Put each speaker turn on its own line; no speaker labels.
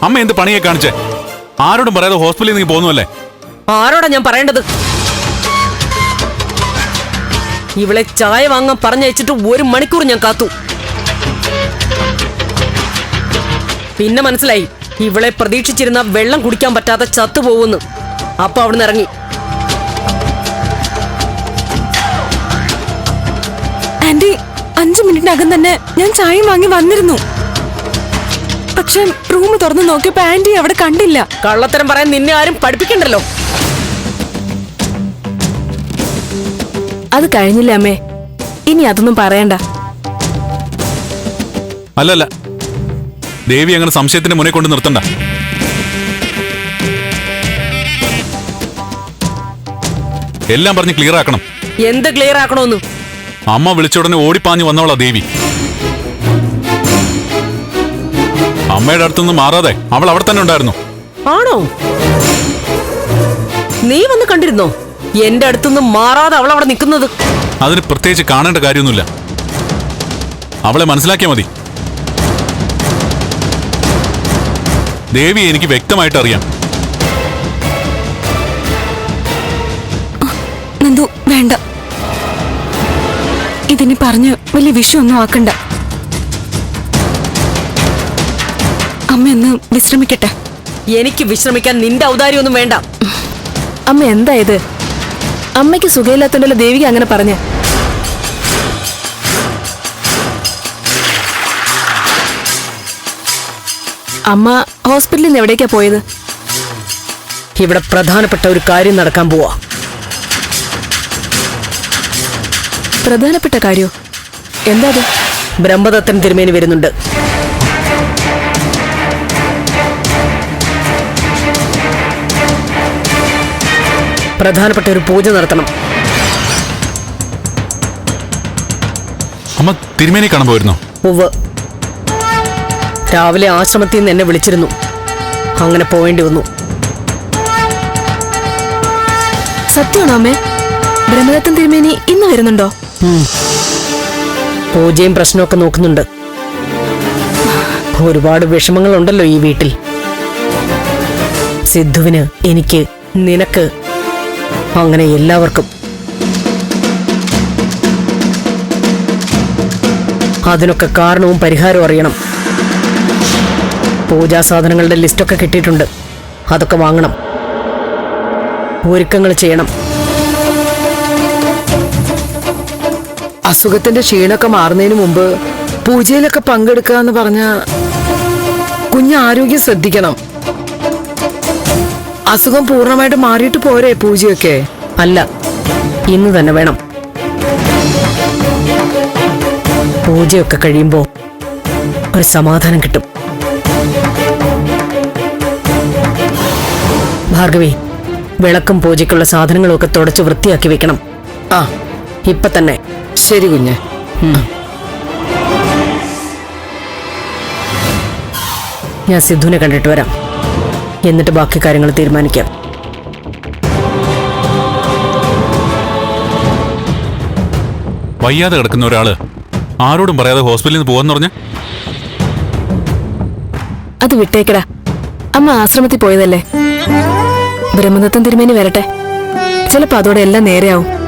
അമ്മ എന്ത് പണിയെ കാണിച്ചേ? ആരോടും പറയാതെ ഹോസ്പിറ്റലിൽ നീ പോകുന്നല്ലേ?
ആരോടാ ഞാൻ പറയേണ്ടത്? ഇവളെ ചായ വാങ്ങാൻ പറഞ്ഞയച്ചിട്ട് 1 മണിക്കൂർ ഞാൻ കാത്തു. പിന്നെ മനസ്സിലായി ഇവളെ പ്രതീക്ഷിച്ചിരുന്ന വെള്ളം കുടിക്കാൻ പറ്റാതെ ചത്തുപോകുന്നു. അപ്പൊ അവിടുന്ന് ഇറങ്ങി.
ആന്റി 5 മിനിറ്റിനകം തന്നെ ഞാൻ ചായ വാങ്ങി വന്നിരുന്നു. പക്ഷെ റൂം തുറന്നു നോക്കിയപ്പോ ആന്റി അവിടെ കണ്ടില്ല.
കള്ളത്തരം പറയാൻ നിന്നെ ആരും പഠിപ്പിക്കണ്ടല്ലോ.
അത് കഴിഞ്ഞില്ല അമ്മേ, ഇനി അതൊന്നും പറയണ്ട.
അല്ലല്ല, ദേവി അങ്ങനെ സംശയത്തിന്റെ മുന്നേ കൊണ്ട് നിർത്തണ്ട. എല്ലാം പറഞ്ഞ് ക്ലിയർ ആക്കണം.
എന്ത് ക്ലിയർ ആക്കണോന്ന്?
അമ്മ വിളിച്ച ഉടനെ ഓടിപ്പാഞ്ഞു വന്നവളാ ദേവി. അമ്മയുടെ അടുത്തുനിന്ന് മാറാതെ അവൾ അവിടെ തന്നെ ഉണ്ടായിരുന്നു.
ആണോ? നീ വന്ന് കണ്ടിരുന്നോ എന്റെ അടുത്തുനിന്ന് മാറാതെ അവൾ അവിടെ നിൽക്കുന്നത്?
അതിന് പ്രത്യേകിച്ച് കാണേണ്ട കാര്യമൊന്നുമില്ല. അവളെ മനസ്സിലാക്കിയാൽ മതി. ദേവി എനിക്ക് വ്യക്തമായിട്ട് അറിയാം.
നന്ദു വേണ്ട, ഇതിനി പറഞ്ഞ് വലിയ വിഷയമൊന്നും ആക്കണ്ട. അമ്മ ഒന്ന് വിശ്രമിക്കട്ടെ.
എനിക്ക് വിശ്രമിക്കാൻ നിന്റെ ഔദാര്യമൊന്നും വേണ്ട.
അമ്മ എന്താ ഇത്? അമ്മയ്ക്ക് സുഖമില്ലാത്തോണ്ടല്ലോ ദേവിക അങ്ങനെ പറഞ്ഞ. അമ്മ ഹോസ്പിറ്റലിൽ നിന്ന് എവിടേക്കാ പോയത്?
ഇവിടെ പ്രധാനപ്പെട്ട ഒരു കാര്യം നടക്കാൻ പോവാ.
പ്രധാനപ്പെട്ട കാര്യോ? എന്താ അത്?
ബ്രഹ്മദത്തൻ തിരുമേനി വരുന്നുണ്ട്. പ്രധാനപ്പെട്ട ഒരു പൂജ നടത്തണം.
അമ്മ തിരുമേനി കാണാൻ പോയിരുന്നോ?
ഉവ്വ്, രാവിലെ ആശ്രമത്തിൽ നിന്ന് എന്നെ വിളിച്ചിരുന്നു. അങ്ങനെ പോവേണ്ടി വന്നു.
സത്യമാണോ അമ്മേ? ബ്രഹ്മദത്തൻ തിരുമേനി ഇന്ന് വരുന്നുണ്ടോ?
പൂജയും പ്രശ്നമൊക്കെ നോക്കുന്നുണ്ട്. ഒരുപാട് വിഷമങ്ങളുണ്ടല്ലോ ഈ വീട്ടിൽ. സിദ്ധുവിന്, എനിക്ക്, നിനക്ക്, അങ്ങനെ എല്ലാവർക്കും. അതിനൊക്കെ കാരണവും പരിഹാരവും അറിയണം. പൂജാ സാധനങ്ങളുടെ ലിസ്റ്റൊക്കെ കിട്ടിയിട്ടുണ്ട്. അതൊക്കെ വാങ്ങണം, ഒരുക്കങ്ങൾ ചെയ്യണം.
അസുഖത്തിന്റെ ക്ഷീണമൊക്കെ മാറുന്നതിന് മുമ്പ് പൂജയിലൊക്കെ പങ്കെടുക്കുക എന്ന് പറഞ്ഞ കുഞ്ഞ് ആരോഗ്യം ശ്രദ്ധിക്കണം. അസുഖം പൂർണ്ണമായിട്ട് മാറിയിട്ട് പോരെ പൂജയൊക്കെ?
അല്ല, ഇന്ന് തന്നെ വേണം. പൂജയൊക്കെ കഴിയുമ്പോ ഒരു സമാധാനം കിട്ടും. ഭാർഗവി, വിളക്കും പൂജയ്ക്കുള്ള സാധനങ്ങളും ഒക്കെ തുടച്ച് വൃത്തിയാക്കി വെക്കണം.
ആ,
ഇപ്പൊ തന്നെ.
ശരി കുഞ്ഞ്.
ഞാൻ സിദ്ധുവിനെ കണ്ടിട്ട് വരാം. എന്നിട്ട് ബാക്കി കാര്യങ്ങൾ തീരുമാനിക്കാം.
വയ്യാതെ കിടക്കുന്ന ഒരാള് ആരോടും പറയാതെ ഹോസ്പിറ്റലിൽ നിന്ന് പോവാന്ന് പറഞ്ഞ?
അത് വിട്ടേക്കടാ. അമ്മ ആശ്രമത്തിൽ പോയതല്ലേ. ബ്രഹ്മദത്തൻ തിരുമേനി വരട്ടെ, ചിലപ്പോ അതോടെ എല്ലാം നേരെയാവും.